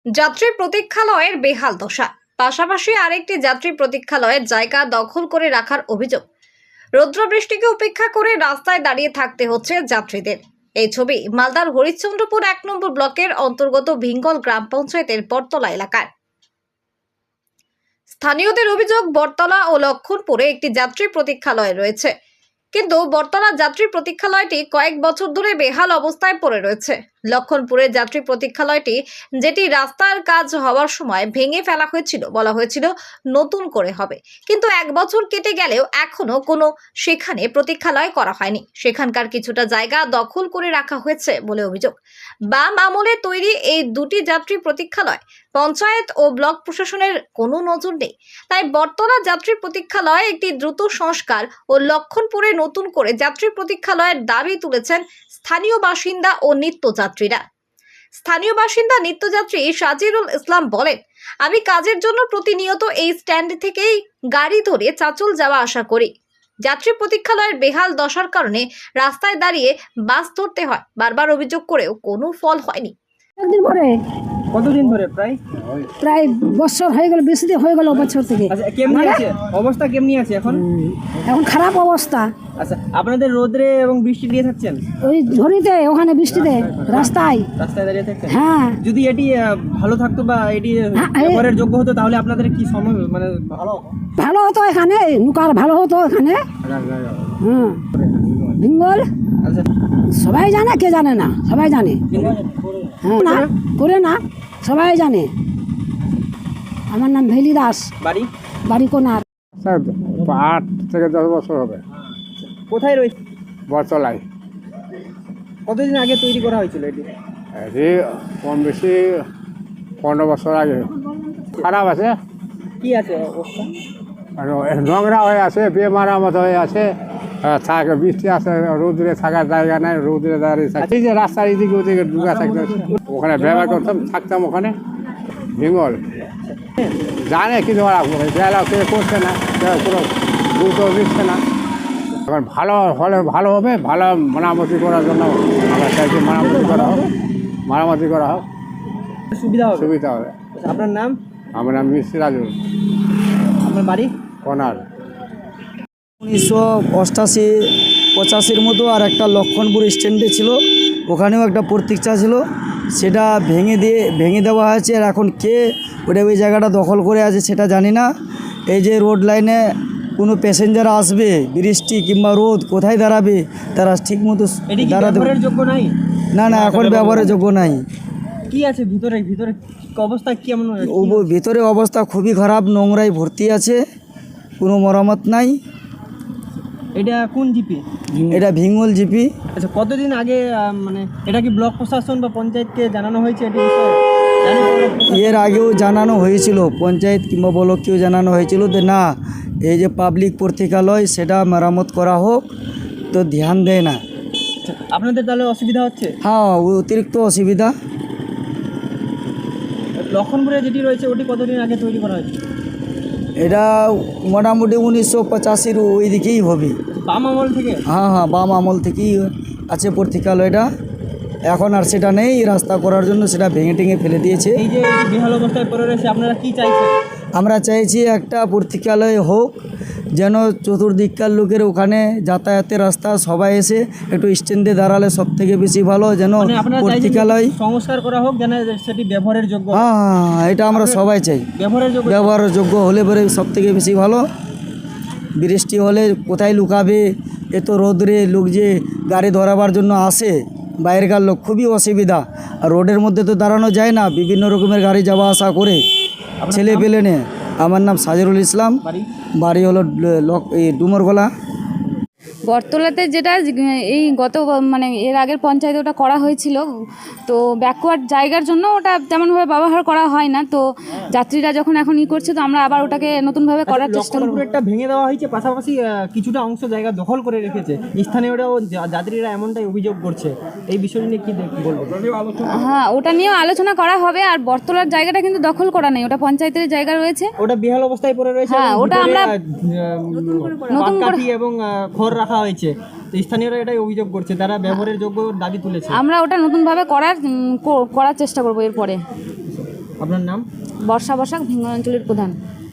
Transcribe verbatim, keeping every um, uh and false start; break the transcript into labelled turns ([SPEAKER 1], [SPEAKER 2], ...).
[SPEAKER 1] যাত্রী প্রতীক্ষালয়ের বেহাল দশা। পাশাপাশি আরেকটি যাত্রী প্রতীক্ষালয়ের জায়গা দখল করে রাখার অভিযোগ। রৌদ্র বৃষ্টিকে উপেক্ষা করে রাস্তায় দাঁড়িয়ে থাকতে হচ্ছে যাত্রীদের। এই ছবি মালদার হরিশ্চন্দ্রপুর এক নম্বর ব্লকের অন্তর্গত ভিঙ্গল গ্রাম পঞ্চায়েতের বটতলা এলাকার। স্থানীয়দের অভিযোগ, বটতলা ও লক্ষণপুরে একটি যাত্রী প্রতীক্ষালয় রয়েছে, কিন্তু বটতলা যাত্রী প্রতীক্ষালয়টি কয়েক বছর ধরে বেহাল অবস্থায় পড়ে রয়েছে। লক্ষণপুরের যাত্রী প্রতীক্ষালয়টি, যেটি রাস্তার কাজ হওয়ার সময় ভেঙে ফেলা হয়েছিল, বলা হয়েছিল নতুন করে হবে, কিন্তু এক বছর কেটে গেলেও এখনো কোনো সেখানে প্রতীক্ষালয় করা হয়নি। সেখানকার কিছুটা জায়গা দখল করে রাখা হয়েছে বলে অভিযোগ। বাম আমলে তৈরি এই দুটি যাত্রী প্রতীক্ষালয় পঞ্চায়েত ও ব্লক প্রশাসনের কোনো নজর নেই। তাই বটতলা যাত্রী প্রতীক্ষালয় একটি দ্রুত সংস্কার ও লক্ষণপুরে নতুন করে যাত্রী প্রতীক্ষালয়ের দাবি তুলেছেন স্থানীয় বাসিন্দা ও নিত্যযাত্রীরা। স্থানীয় বাসিন্দা নিত্যযাত্রী সাজিরুল ইসলাম বলেন, আমি কাজের জন্য প্রতিনিয়ত এই স্ট্যান্ড থেকেই গাড়ি ধরে চাঁচল যাওয়া আসা করি। যাত্রী প্রতীক্ষালয়ের বেহাল দশার কারণে রাস্তায় দাঁড়িয়ে বাস ধরতে হয়। বারবার অভিযোগ করেও কোনো ফল হয়নি।
[SPEAKER 2] একদিন পরে
[SPEAKER 3] কতদিন ধরে? প্রায়
[SPEAKER 2] প্রায় বছর হয়ে গেল, বেশি দিন হয়ে গেল বছর থেকে।
[SPEAKER 3] আচ্ছা, কেমনি আছে অবস্থা? কেমনি আছে এখন?
[SPEAKER 2] এখন খারাপ অবস্থা।
[SPEAKER 3] আচ্ছা, আপনাদের রোদরে এবং বৃষ্টি দিয়ে থাকছেন?
[SPEAKER 2] ওই ঝড়িতে, ওখানে বৃষ্টিতে, রাস্তায়
[SPEAKER 3] রাস্তায় দাঁড়িয়ে থাকছেন?
[SPEAKER 2] হ্যাঁ।
[SPEAKER 3] যদি এটি আহ, ভালো থাকতো বা এটি
[SPEAKER 2] হ্যাঁ, এই-
[SPEAKER 3] ব্যবহারের যোগ্য হতো, তাহলে আপনাদের কি সময় মানে ভালো
[SPEAKER 2] ভালো হতো এখানে, নুকার ভালো হতো এখানে। হুম, ভিঙ্গল
[SPEAKER 3] আচ্ছা,
[SPEAKER 2] সবাই জানে, কে জানে না? সবাই জানে। হ্যাঁ, না করে না, সবাই জানে। আমার নাম ভেলি দাস,
[SPEAKER 3] বাড়ি
[SPEAKER 2] বাড়ি কোনার।
[SPEAKER 4] স্যার আট থেকে দশ বছর হবে
[SPEAKER 3] কোথায় রয়েছে?
[SPEAKER 4] বটতলায়।
[SPEAKER 3] কতদিন আগে তৈরি করা হয়েছিল এটি?
[SPEAKER 4] এটি কম বেশি পনেরো বছর আগে। খারাপ আছে,
[SPEAKER 3] কি আছে অবস্থা?
[SPEAKER 4] আর নোংরা হয়ে আছে, বেমারামত হয়ে আছে। আহ, থাকে বৃষ্টি আছে, রোদ্রে থাকার জায়গা নাই, রোদ্রে দাঁড়িয়ে থাকে। এই যে রাস্তার এদিকে ওদিকে ঢুকা থাকতে ওখানে ব্যবহার করতাম, থাকতাম ওখানে ভিঙ্গল। জানে কিন্তু ওরা বেলা কেউ করছে না, কেউ কোনো গুরুত্ব দিচ্ছে না। এখন ভালো হলে ভালো হবে, ভালো মেরামতি করার জন্য আমরা চাইছি মেরামতি করা হোক, মেরামতি করা হোক,
[SPEAKER 3] সুবিধা হবে।
[SPEAKER 4] সুবিধা হবে।
[SPEAKER 3] আচ্ছা, আপনার নাম?
[SPEAKER 4] আমার নাম মিস্ত্রি রাজু,
[SPEAKER 3] আপনার বাড়ি?
[SPEAKER 4] কোনার।
[SPEAKER 5] উনিশশো অষ্টাশি পঁচাশির মতো আর একটা লক্ষণপুর স্ট্যান্ডে ছিল, ওখানেও একটা প্রতীক্ষা ছিল, সেটা ভেঙে দিয়ে ভেঙে দেওয়া হয়েছে। আর এখন কে ওটা ওই জায়গাটা দখল করে আছে সেটা জানি না। এই যে রোড লাইনে কোনো প্যাসেঞ্জার আসবে, বৃষ্টি কিংবা রোদ, কোথায় দাঁড়াবে তারা ঠিক মতো
[SPEAKER 3] এটি কি
[SPEAKER 5] দাঁড়াতে
[SPEAKER 3] ব্যবহারের যোগ্য নাই?
[SPEAKER 5] না না এখন ব্যবহারের যোগ্য নাই।
[SPEAKER 3] কি আছে ভিতরে? ভিতরে অবস্থা কেমন?
[SPEAKER 5] ও ভিতরে অবস্থা খুবই খারাপ, নোংরায় ভর্তি আছে, কোনো মেরামত নাই।
[SPEAKER 3] এটা কোন জিপি?
[SPEAKER 5] এটা ভিঙ্গল জিপি।
[SPEAKER 3] আচ্ছা, কতদিন আগে আহ, মানে এটা কি ব্লক প্রশাসন বা পঞ্চায়েতকে জানানো হয়েছে এটি বিষয়ে? জানি ব্লক প্রশাসন-
[SPEAKER 5] এর আগেও জানানো হয়েছিল, পঞ্চায়েত কিংবা ব্লককেও জানানো হয়েছিল যে না, এই যে পাবলিক প্রতীক্ষালয় সেটা মেরামত করা হোক, তো ধ্যান দেয় না।
[SPEAKER 3] আচ্ছা, আপনাদের তাহলে অসুবিধা হচ্ছে?
[SPEAKER 5] হ্যাঁ, অতিরিক্ত অসুবিধা।
[SPEAKER 3] লক্ষণপুরে যেটি রয়েছে ওটি কতদিন আগে তৈরি করা হয়েছে?
[SPEAKER 5] এটা মোটামুটি উনিশশো পঁচাশির ওই দিকেই হবে।
[SPEAKER 3] বাম আমল থেকে?
[SPEAKER 5] হ্যাঁ হ্যাঁ, বাম আমল থেকেই আছে প্রতীক্ষালয়টা। এখন আর সেটা নেই, রাস্তা করার জন্য সেটা ভেঙে টেঙে ফেলে দিয়েছে।
[SPEAKER 3] এই যে এই যে বেহাল অবস্থায় পড়ে রয়েছে, আপনারা কি চাইছেন?
[SPEAKER 5] আমরা চাইছি একটা প্রতীক্ষালয় হোক, যেন চতুর্দিককার লোকের ওখানে যাতায়াতের রাস্তা, সবাই এসে একটু স্ট্যান্ডে দাঁড়ালে সব থেকে বেশি ভালো, যেন
[SPEAKER 3] মানে আপনারা চাইছেন
[SPEAKER 5] প্রতীক্ষালয়।
[SPEAKER 3] সংস্কার করা হোক যেন সেটি ব্যবহারের যোগ্য।
[SPEAKER 5] হ্যাঁ হ্যাঁ হ্যাঁ, এটা আমরা সবাই চাই।
[SPEAKER 3] ব্যবহারের যোগ্য
[SPEAKER 5] ব্যবহারের যোগ্য হলে পরে সব থেকে বেশি ভালো। বৃষ্টি হলে কোথায় লুকাবে, এত রোদরে লোক যে গাড়ি ধরাবার জন্য আসে, বাইরেকার লোক, খুবই অসুবিধা। আর রোডের মধ্যে তো দাঁড়ানো যায় না, বিভিন্ন রকমের গাড়ি যাওয়া আসা করে, ছেলে পেলে নে। আমার নাম সাজিরুল ইসলাম,
[SPEAKER 3] বাড়ি?
[SPEAKER 5] বাড়ি হলো লক এই ডুমরগোলা।
[SPEAKER 6] বটতলাতে যেটা এই গত মানে এর আগের পঞ্চায়েতে ওটা করা হয়েছিল, তো ব্যাকওয়ার্ড জায়গার জন্য ওটা তেমনভাবে ব্যবহার করা হয় না। তো যাত্রীরা যখন এখন ই করছে, তো আমরা আবার ওটাকে নতুনভাবে করার চেষ্টা করব।
[SPEAKER 3] লক্ষণপুরেরটা ভেঙে দেওয়া হয়েছে, পাশাপাশি আহ, কিছুটা অংশ জায়গা দখল করে রেখেছে। স্থানীয়রাও যা- যাত্রীরা এমনটাই অভিযোগ করছে। এই বিষয় নিয়ে কি দেখ- বলবো?
[SPEAKER 6] হ্যাঁ, ওটা নিয়েও আলোচনা করা হবে। আর বটতলার জায়গাটা কিন্তু দখল করা নেই, ওটা পঞ্চায়েতের জায়গা রয়েছে।
[SPEAKER 3] ওটা বেহাল অবস্থায় পড়ে রয়েছে।
[SPEAKER 6] হ্যাঁ,
[SPEAKER 3] এবং
[SPEAKER 6] ওটা
[SPEAKER 3] ভিতরে,
[SPEAKER 6] আমরা
[SPEAKER 3] আহ,
[SPEAKER 6] নতুন করে-
[SPEAKER 3] পাটকাঠি এবং আহ, খড় রাখা হয়েছে। তো স্থানীয়রা এটাই অভিযোগ করছে, তারা ব্যবহারের যোগ্য দাবি তুলেছে।
[SPEAKER 6] আমরা ওটা নতুনভাবে করার উম, কো- করার চেষ্টা করবো এরপরে।
[SPEAKER 3] আপনার নাম?
[SPEAKER 6] বর্ষা বসাক ভিঙ্গল অঞ্চলের প্রধান।